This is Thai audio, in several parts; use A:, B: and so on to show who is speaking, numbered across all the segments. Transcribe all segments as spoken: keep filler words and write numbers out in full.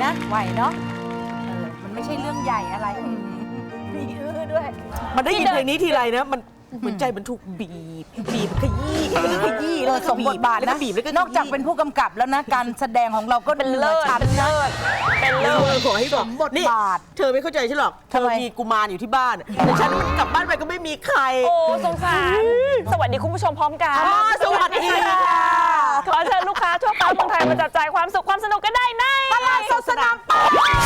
A: นะไหวเนาะเออมันไม่ใช่เรื่องใหญ่อะไรมีอื้อด้วย
B: มันได้ยินเพลงนี้ทีไรนะมันเหมือนใจมันถูกบีบบีบขยี้ขยี้
A: เออสมบทบาท
B: แล้ว
A: นะ
B: ก็บีบแล้วก็
A: นอกจากเป็นผู้กำกับแล้วนะ การแสดงของเราก็
C: เป็นเลิศเป็นเลิศเป็นเลิศ
B: ขอให้บอก
A: บท
B: นี่
A: บาท
B: เธอไม่เข้าใจฉันหรอกเธ
A: ทำ
B: อ
A: ไม
B: มีกุมารอยู่ที่บ้านแต่ฉันกลับบ้านไปก็ไม่มีใคร
C: โอ้สงสารสวัสดีคุณผู้ชมพร้อมกัน
B: อ๋อสวัสดีค่ะ
C: ขอเชิญลูกค้าทั่วฟ้าเมืองไทยมาจับจ่ายความสุขความสนุกกันได้ในตลาดสดสนามเป้า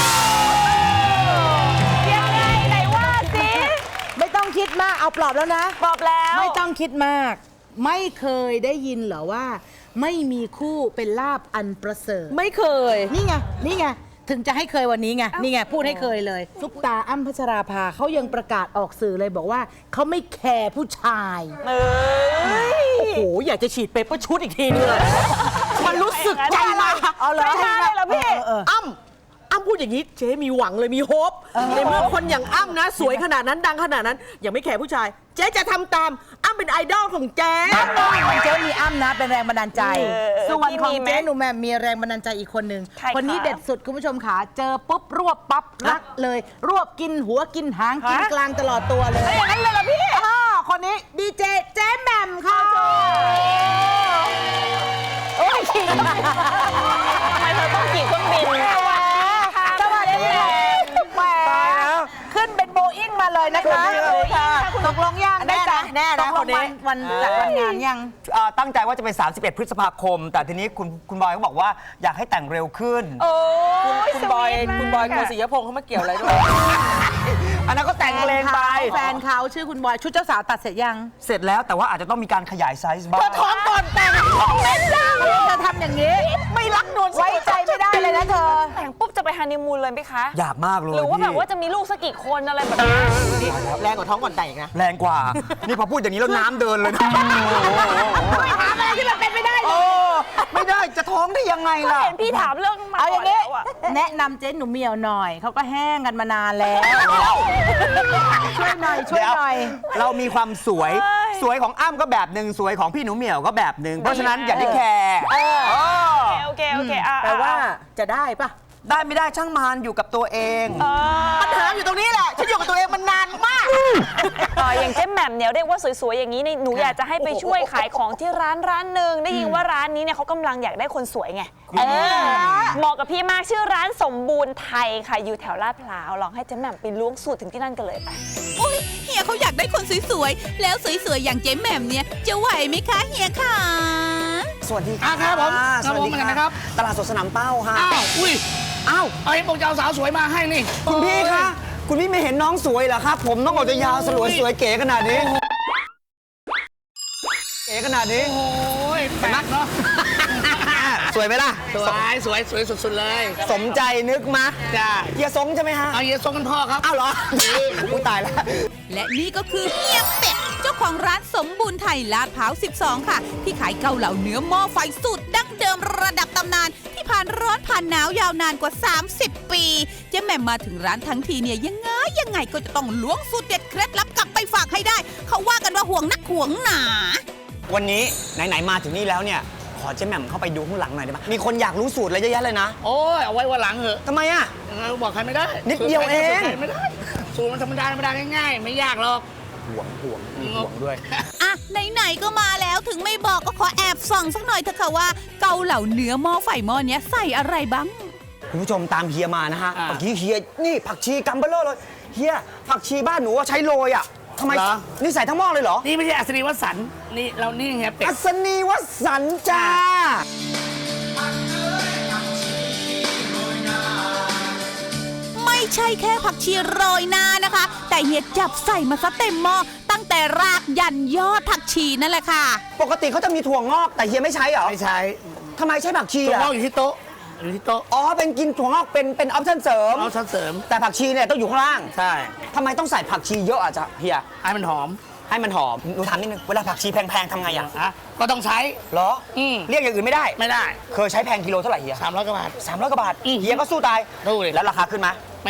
C: ยังไงไหนว่าสิ
A: ไม่ต้องคิดมากเอาปลอบแล้วนะ
C: บอกแล้ว
A: ไม่ต้องคิดมาก ไม่เคยได้ยินเหรอว่า ไม่มีคู่เป็นลาบอันประเสริฐ
B: ไม่เคย
A: นี่ไง นี่ไง ถึงจะให้เคยวันนี้ไง นี่ไง พูดให้เคยเลยซุปตาอ้ำพัชราภาเขายังประกาศออกสื่อเลยบอกว่าเขาไม่แคร์ผู้ชาย
C: เอ้ย
B: โอ้โหอยากจะฉีดเปเปอร์ชุดอีกทีนึงเลยมันรู้สึกใจมา
A: เอาเลย
C: ใจมาเลยเหรอพี่
A: เออ
B: อ้ำอ้ำพูดอย่างนี้เจ๊มีหวังเลยมีโฮปในเมื่อคนอย่างอ้ำนะ สวยขนาดนั้นดังขนาดนั้นยังไม่แคร์ผู้ชาย เจ๊จะทำตามอ้ำเป็นไอดอลของเจ๊
A: ของเจ๊มีอ้ำนะเป็นแรงบันดาลใจ
C: เออ
A: ส่วนของ
C: พี่มีไหม
A: เจ๊หนูแหม่มมีแรงบันดาลใจอีกคนหนึ่ง
C: ใครคะ
A: คนนี้เด็ดสุดคุณผู้ชมขาเจอปุ๊บรวบปั๊บรักเลย รวบกินหัวกินหางกิน
C: ฮะ
A: กลางตลอดตัวเลย
C: อย่างนั้นเลยเหรอพี่
A: อ่าคนนี้ดีเจเจ๊แหม่มค่ะ
C: โอ้ยขี่ทำไมเธอต้องขี่เครื่องบิน
A: สวัสดีค่ะแหมขึ้นเป็นโบอิ้งมาเลยนะคะ
B: สวัสดีค่ะ
A: ตกลงยัง
B: แน่นะแน่นะ
A: ตกลง
B: คนนี้
A: วันวันจัดวันงานยัง
D: อ่าตั้งใจว่าจะเป็น สามสิบเอ็ด พฤษภาคม แต่ทีนี้คุณคุณบอยก็บอกว่าอยากให้แต่งเร็วขึ้น
C: โอ้ย
B: คุณบอย
C: สวีทมาก
B: คุณบอย
C: ะ
B: โกศิยพงษ์เขามาเกี่ยวอะไรด้วย
D: อันนั้นก็แต่งเพลงไป
A: แฟนเขาชื่อคุณบอยชุดเจ้าสาวตัดเสร็จยัง
D: เสร็จแล้วแต่ว่าอาจจะต้องมีการขยายไซส์บ้าง
A: เธอท้องก่อนแต่งท้องไม่ได้เธอทำอย่างนี้ ไม่รักนวลไว้ใจไม่ได้เลยนะเธอ
C: แต่งปุ๊บจะไปฮันนีมูนเลยไหมคะ
D: อยากมากเลย
C: หรือว่าแบบ
D: พี่
C: ว่าจะมีลูกสักกี่คนอะไรแบบนี้
B: แรงกว่าท้องก่อนแต่งอีกนะ
D: แรงกว่า นี่พอพูดอย่างนี้แล้วน้ำเดินเลยนะ
A: ไม่ถามอะไรที่มันเป็นไม่ได้เล
D: โอ้
A: ย
D: ไม่ได้จะท้องได้ยังไงล่ะ
C: เห็นพี่ถามเรื่องมา
A: เอาอ
C: ก่อย่าง น
A: นี้
C: แล้วอะ
A: แนะนำเจ๊หนูเหมียวหน่อย เขาก็แห้งกันมานานแล้ว ช่วยหน่อย ช่วยหน่อย
D: เรามีความสวย สวยของอ้ำก็แบบหนึ่งสวยของพี่หนูเหมียวก็แบบหนึ่งเพราะฉะนั้นอย่าได้แคร์
C: โอเคโอเคอ่ะ
B: แปลว่าจะได้ปะ
D: ได้ไม่ได้ช่างมันอยู่กับตัวเอง
C: เออ
B: ปัญหาอยู่ตรงนี้แหละ ฉันอยู่กับตัวเองมันนานมาก
C: เอออย่างเจ๊แหม่มเนี่ยเรียกว่าสวยๆอย่างนี้นี่หนูอยากจะให้ไปช่วยขายของที่ร้านร้านหนึ่งได้ยินว่าร้านนี้เนี่ยเขากำลังอยากได้คนสวยไงเออเหมาะกับพี่มากชื่อร้านสมบูรณ์ไทยค่ะอยู่แถวลาดพร้าวลองให้เจ๊แหม่มไปล้วงสูตรถึงที่นั่นกันเลยไป
E: อุ๊ยเฮียเขาอยากได้คนสวยๆ แล้วสวยๆ อย่างเจ๊แหม่มเนี่ย จะไหวไหมคะเฮียคะ
D: สวัสดี
F: อ่ะครับผม
D: ะ
F: ครับผมเหมือนกันนะครับ
D: ตลาดสดสนามเป้าค่ะ
F: อ้าว อุ้ย
D: อ้าว
F: เอาไอ้พวกเจ้าสาวสวยมาให้นี่
D: คุณพี่คะคุณพี่ไม่เห็นน้องสวยเหรอครับ ผมน้องออกจะยาวสลวยสวยเก๋ขนาดนี้ เก๋ขนาดนี้
F: โอ้ยแปลกเนาะ
D: สวยไหมล่ะ
F: สวยสวยสวยสุดๆเลย
D: สมใจนึกมะ
F: จ้า
D: เฮียสงใช่ไหมฮะ
F: เอาเฮียทรงกันพ่อครับ
D: อ้าวเหรออุ้ยตายแล้ว
E: และนี่ก็คือเฮียเป็ด เจ้าของร้านสมบูรณ์ไทยลาดพร้าว สิบสอง ค่ะ ที่ขายเกาเหลาเนื้อหม้อไฟสูตรดั้งเดิมระดับตำนาน ที่ผ่านร้อนผ่านหนาวยาวนานกว่า สามสิบ ปีเจ๊แหม่มมาถึงร้านทั้งทีเนี่ยยังไงยังไงก็จะต้องล้วงสูตรเด็ดเคล็ดลับกลับไปฝากให้ได้ เขาว่ากันว่าห่วงนักห่วงหนา
D: วันนี้ไหนๆมาถึงนี่แล้วเนี่ยขอเจ๊แหม่มเข้าไปดูข้างหลังหน่อยได้ไหมมีคนอยากรู้สูตรอะไรเยอะแยะเลยนะ
F: โอ้ย เอาไว้วันหลังเหอะ
D: ทำไมอ่ะ
F: เราบอกใครไม่ได้
D: นิดเดียวเอง
F: สูตรใครไม่ได้ สูตรมันธรรมดาธรรมดาง่ายๆ ไม่ยากหรอก
D: ห่วงห่วงมีห่วงด้วย
E: อ่ะไหนๆก็มาแล้วถึงไม่บอกก็ขอแอบส่องสักหน่อยเถอะค่ะว่าเกาเหลาเนื้อหม้อไฟหม้อเนี้ยใส่อะไรบ้าง
D: คุณผู้ชมตามเฮียมานะฮะ
F: อ่า
D: เมื่อกี้เฮียนี่ผักชีกัมเบลเลอร์เลยเฮียผักชีบ้านหนูอะใช้โรยอ่ะทำไม
F: เหรอ
D: นี่ใส่ทั้งหม้อเลยเหรอ
F: นี่ไม่ใช่อัศนีวสันต์นี่เรานี่เฮียเป็ด
D: อัศนีวสันต์จ้า
E: ไม่ใช่แค่ผักชีโรยหน้านะคะ แต่เฮียจับใส่มาซะเต็มหม้อตั้งแต่รากยันยอดผักชีนั่นแหละค่ะ
D: ปกติเขาจะมีถั่วงอกแต่เฮียไม่ใช้เหรอ
F: ไม่ใช่
D: ทำไมใช้ผักชี
F: ตัว
D: อ่ะ
F: งอกอยู่ที่โต๊ะ อยู่ที่โต๊ะ
D: อ๋อเป็นกินถั่วงอกเป็นเป็นออปชั่นเสริม
F: เอาชั้นเสริม
D: แต่ผักชีเนี่ยต้องอยู่ข้างล่าง
F: ใช่
D: ทำไมต้องใส่ผักชีเยอะอ่ะจ๊ะเฮีย
F: ให้มันหอม
D: ให้มันหอมหนูถามนิดนึงเวลาผักชีแพงๆทำไงอ่ะ
F: อ่ะก็ต้องใช้
D: เหรอ
F: อืม
D: เรียกอย่างอื่นไม่ได้
F: ไม่ได้
D: เคยใช้แพงกิโลเท่าไหร่เฮีย
F: สามร้อยกว่าบาท
D: สามร้อยกว่าบาท
F: อืม
D: เฮียก็สู้ตาย
F: สู้ดิ
D: แล้วราคาขึ้นไหม
F: ไม่ขึ้น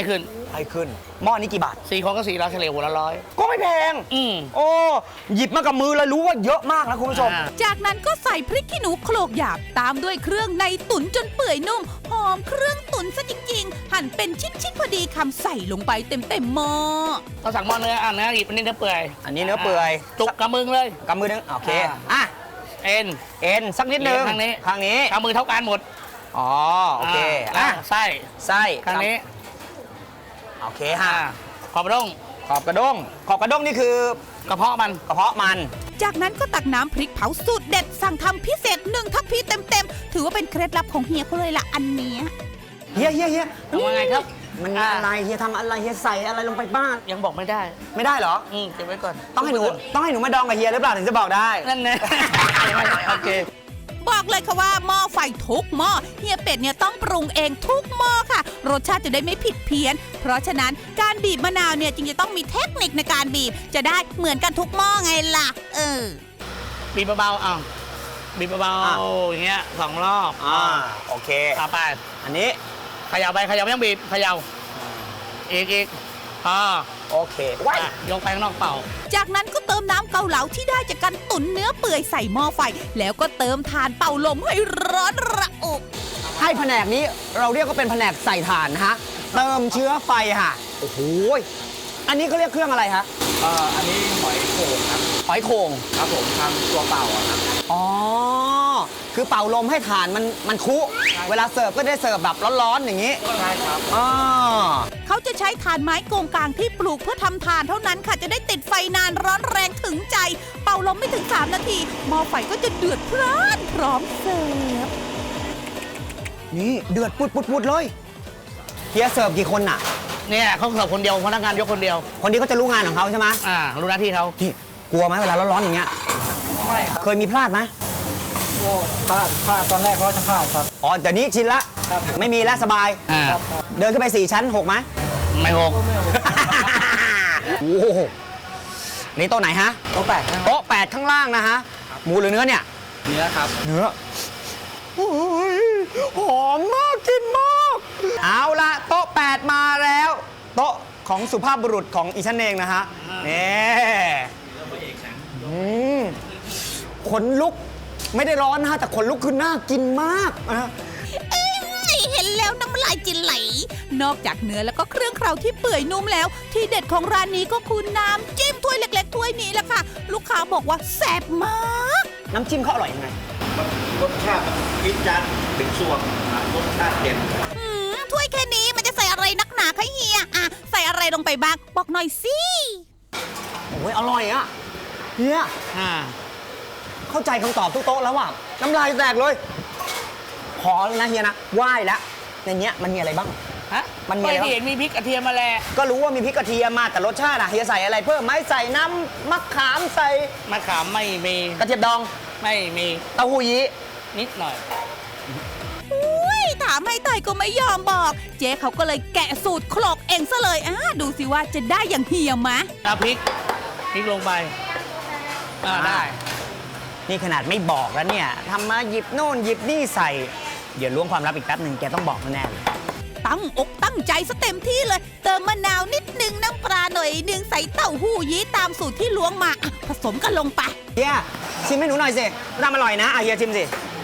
D: ให้ขึ้นหม้อนี้กี่บาท
F: สี่คนก็สี่ร้อยเฉลี่ยหัวละร้อย
D: ก็ไม่แพง
F: อืม
D: โอ้หยิบมากับมือแล้วรู้ว่าเยอะมากนะคุณผู้ชม
F: อ่า
E: จากนั้นก็ใส่พริกขี้หนูโขลกหยาบตามด้วยเครื่องในตุ๋นจนเปื่อยนุ่ม หอมเครื่องตุ๋นซะจริงๆ หั่นเป็นชิ้นๆพอดีคำใส่ลงไปเต็มๆหม้อ
F: เราสั่งหม้อเนื้ออ่ะเนื้อหยิบอันนี้เนื้อเปื่อย
D: อันนี้เนื้อเปื่อย
F: จุกกำมึงเลย
D: กำมือนึงโอเค
F: อ่า
D: อ่ะ
F: เอ็น
D: เอ็นสักนิดนึง
F: ข้างนี้
D: ข้างนี้
F: กำมือเท่ากันหมด
D: อ๋อโอเค
F: อ่ะ
D: อ่ะ
F: ไส้
D: ไส้
F: ข้างนี้
D: โอเค
F: อ่า
D: ฮะ
F: ขอบด้ง
D: ขอบกระด้งขอบกระด้งนี่คือก
F: ระเพาะมัน
D: กระเพาะมัน
E: จากนั้นก็ตักน้ำพริกเผาสูตรเด็ดสั่งทำพิเศษหนึ่งทัพพีเต็มๆ ถือว่าเป็นเคล็ดลับของเฮียเขาเลยล่ะอันเนี้ย
D: เฮียเฮียเฮีย
F: ทำว่าไงครับ
D: มันมีอะไรเฮียทำอะไรเฮียใส่อะไรลงไปบ้าง
F: ยังบอกไม่ได้
D: ไม่ได้เหรอ
F: อืมเก็บไว้ก่อน
D: ต้องให้หนูต้องให้หนูมาดองกับเฮียหรือเปล่าถึงจะบอกได้
F: นั่นแน่ โอเค
E: บอกเลยค่ะว่าหม้อไฟทุกหม้อเฮียเป็ดเนี่ยต้องปรุงเองทุกหม้อค่ะ รสชาติจะได้ไม่ผิดเพี้ยน เพราะฉะนั้นการบีบมะนาวเนี่ยจึงจะต้องมีเทคนิคในการบีบ จะได้เหมือนกันทุกหม้อไงล่ะ เออ
F: บีบเบาๆอ่ะบีบเบา
D: อ่ะ
F: ๆอย่างเงี้ยสองรอบ
D: อ่าโอเค
F: ต่อไป
D: อันนี้
F: เขย่าไปเขย่าไม่ต้องบีบเขย่าอีกอีกอ่า
D: โอเคว้าย
F: อ่ะยกไปข้างนอกเป่า
E: จากนั้นก็เติมน้ำเกาเหลาที่ได้จากการตุ๋นเนื้อเปื่อยใส่หม้อไฟ แล้วก็เติมถ่านเป่าลมให้ร้อนระอุ
D: ให้แผนกนี้เราเรียกว่าเป็นแผนกใส่ถ่านนะฮะเติมเชื้อไฟค่ะโอ้โหอันนี้เขาเรียกเครื่องอะไรคะ
G: เอ่ออันนี้หอยโข่งครับ
D: หอยโข่ง
G: ครับผมทำตัวเปล่าอะครับ
D: อ๋อคือเป่าลมให้ถ่านมันมันคุเวลาเสิร์ฟก็ได้เสิร์ฟแบบร้อนๆอย่างนี้
G: ใช่ครับ
D: อ๋อ
E: เขาจะใช้ถ่านไม้โกงกลางที่ปลูกเพื่อทำถ่านเท่านั้นค่ะ จะได้ติดไฟนานร้อนแรงถึงใจ เป่าลมไม่ถึงสามนาทีหม้อไฟก็จะเดือดพร่านพร้อมเสิร์ฟ
D: นี่เดือดปุดปุดปุดเลยเฮียเสิร์ฟกี่คนน่ะ
F: เนี่ยเขาเสิร์ฟคนเดียวพนักงานยกคนเดียว
D: คนนี้เขาจะรู้งานของเขาใช่ไหม
F: อ่ารู้หน้าที่เขา
D: นี่กลัวไหมเวลาร้อนๆอย่างเงี้ยเคยมีพลาดไหม
G: พลาดพลาดตอนแรกเขาจะพลาดครับ
D: อ๋อแต่นี้ชินละ ไม่มีแล้วสบาย
F: อ่า
D: เดินขึ้นไปสี่ชั้นหกไหม
F: ไม่หก
D: โอ้โหนี่โต๊ะไหนฮะ
G: โต๊ะแปดครับ
D: โต๊ะแปดข้างล่างนะฮะ หมูหรือเนื้อเนี่ย
G: เนื้อครับ
D: เนื้อโอ้ยหอมมากกินมาก เอาละโต๊ะแปดมาแล้ว โต๊ะของสุภาพบุรุษของอีฉันเองนะฮะนี่อืมขนลุกไม่ได้ร้อนนะฮะแต่ขนลุกคือน่ากินมากนะ
E: เอ้ยเห็นแล้วน้ำลายจิไหล นอกจากเนื้อแล้วก็เครื่องเคราที่เปื่อยนุ่มแล้ว ที่เด็ดของร้านนี้ก็คือน้ำจิ้มถ้วยเล็กๆถ้วยนี้แหละค่ะ ลูกค้าบอกว่าแซ่บมาก
D: น้ำจิ้มเขาอร่อยยังไง
G: รสชาติคิดจัดถึงส่วนรสชาติเด่น
E: อืมถ้วยแค่นี้มันจะใส่อะไรนักหนาคะเฮียอ่ะใส่อะไรลงไปบ้างบอกหน่อยสิ
D: โอ้ยอร่อยอะเฮีย
F: อ่า
D: เข้าใจคำตอบทุกโต๊ะแล้วว่ะน้ำลายแตกเลย ขอแล้วนะเฮียนะไหว้แล้วในเนี้ยมันมีอะไรบ้าง
F: ฮะ
D: มันมีอะไร
F: ไม่
D: บ้าง
F: เห็นมีพริกกระเทียมมาแล
D: ก็รู้ว่ามีพริกกระเทียมมาแต่รสชาติอะเฮียใส่อะไรเพิ่มไหมใส่น้ำมะขามใส่
F: มะขามไม่มี
D: กระเทียมดอง
F: ไม่มี
D: เต้าหู้ยี้
F: นิดหน่อย
E: อุ้ยถามให้ไต่ก็ไม่ยอมบอก เจ๊เขาก็เลยแกะสูตรโขลกเองซะเลยอ่ะดูสิว่าจะได้อย่างเฮียมะ
F: เอาพริก พริกลงไป อ่าได้
D: นี่ขนาดไม่บอกแล้วเนี่ยทำมาหยิบโน่นหยิบนี่ใส่ เดี๋ยวล้วงความลับอีกแป๊บหนึ่งแกต้องบอกแน่ๆเลย
E: ตั้งอกตั้งใจซะเต็มที่เลย เติมมะนาวนิดนึงน้ำปลาหน่อยนึงใส่เต้าหู้ยี้ตามสูตรที่ล้วงมาอ่ะผสมกันลงไป
D: เฮียชิมให้หนูหน่อยสิทำอร่อยนะอ่ะเฮียชิมสิ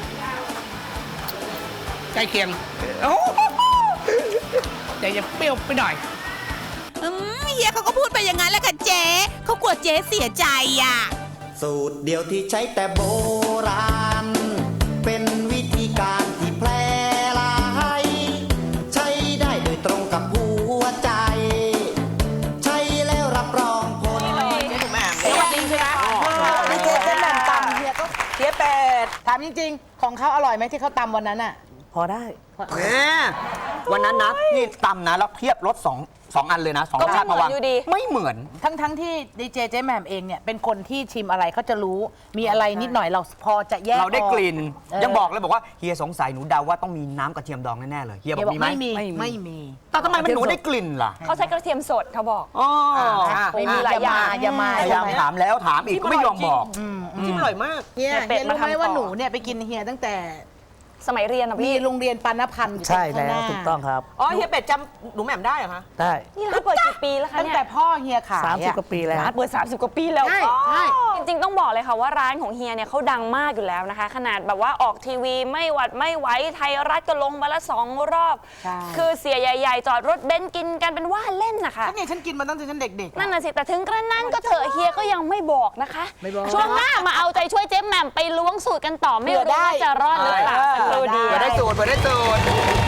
F: ใกล้เคียง
D: โอ้โห
F: แต่จะเปรี้ยวไปหน่อย
E: อืมเฮียเขาก็พูดไปอย่างนั้นแหละค่ะเจ๊เขากลัวเจ๊เสียใจอ่ะ
H: สูตรเดียวที่ใช้แต่โบราณ เป็นวิธีการที่แพร่หลาย ใช้ได้โดยตรงกับหัวใจ ใช้แล้วรับรองผล
B: นี่จริงใช่ไหมนี่เจ๊เจ๊แหม่มตำเฮียก็เฮียเป็ดถามจริงๆ ของเขาอร่อยไหมที่เขาตำวันนั้นอ่ะ พอได้
D: แหมวันนั้นนะนี่ตำนะแล้วเทียบรสสองสองอันเลยนะสอง
C: ก็ไม่
D: ชาติมาวาง
C: เหมือนอยู่ดี
D: ไม่เหมือน
A: ทั้งทั้งที่ดีเจเจ๊แหม่มเองเนี่ยเป็นคนที่ชิมอะไรเขาจะรู้มีอะไรนิดหน่อยเราพอจะแยก
D: เราได้กลิ่น
A: ออ
D: ยังบอกเลยบอกว่าเฮียสงสัยหนูเดาว่าต้องมีน้ำกระเทียมดองแน่ๆเลยเฮียบ
A: เฮี
D: อย ก
A: บอก
D: มีไหม
A: ไม่มีไม่มี
D: แต่ทำไมมันหนูได้กลิ่นล่ะ
C: เขาใช้กระเทียมสดเขาบอก
D: อ๋อ
A: ไม่มี
C: หลายอย่าง
A: อย่ามา
D: พยายามถามแล้วถามอีกก็ไม่ยอมบอก
B: จิ้มอร่อยมาก
A: เฮีย
C: เฮียเป็
A: เฮี
C: ด
A: ย
C: มา
A: รู้ไหม
C: ทำต่อ
A: ว่าหนูเนี่ยไปกินเฮียตั้งแต่
C: สมัยเรียนอะ
A: มี
C: พี่
A: โรงเรียนปานพันธ์อยู่
F: ใช่
A: ข้าง
F: แล้
A: ห
F: ว
A: น้า
F: ถูกต้องครับ
B: อ๋อเฮียเป็ดจำหนูแหม่มได้เหรอคะ
F: ได้
C: นี่ร้านเปิดกี่ปีแล้วคะ
A: ตั้ง
C: เนี่ย
A: แต่พ่อเฮียขาย
F: สามสิบ
A: อะ
F: กว่าปีแล้ว
C: ร้านเปิดสามสิบกว่าปีแล้ว
A: ใช่ใช่
C: จริงๆต้องบอกเลยค่ะว่าร้านของเฮียเนี่ยเขาดังมากอยู่แล้วนะคะ ขนาดแบบว่าออกทีวีไม่หวัดไม่ไหวไทยรัฐก็ลงมาละสองรอบ
A: ใช่
C: คือเสียใหญ่ๆ จอดรถเบนซ์กินกันเป็นว่าเล่นนะคะ
A: ก็เนี่ยฉันกินมาตั้งแต่ฉันเด็กๆ
C: นั่นน่ะสิ แต่ถึงกระนั้นก็เถอะเฮียก็ยังไม่บอกนะคะ
A: ไม่บอก
C: ช่วงหน้ามาเอาใจช่วยเจ๊แหม่มไปล้วงสูตรกันต่อไม่รู้ว่าจะรอดหรือเปล่าสักครู่เดียว
D: เปิดได้สูตรเปิดได้สูตร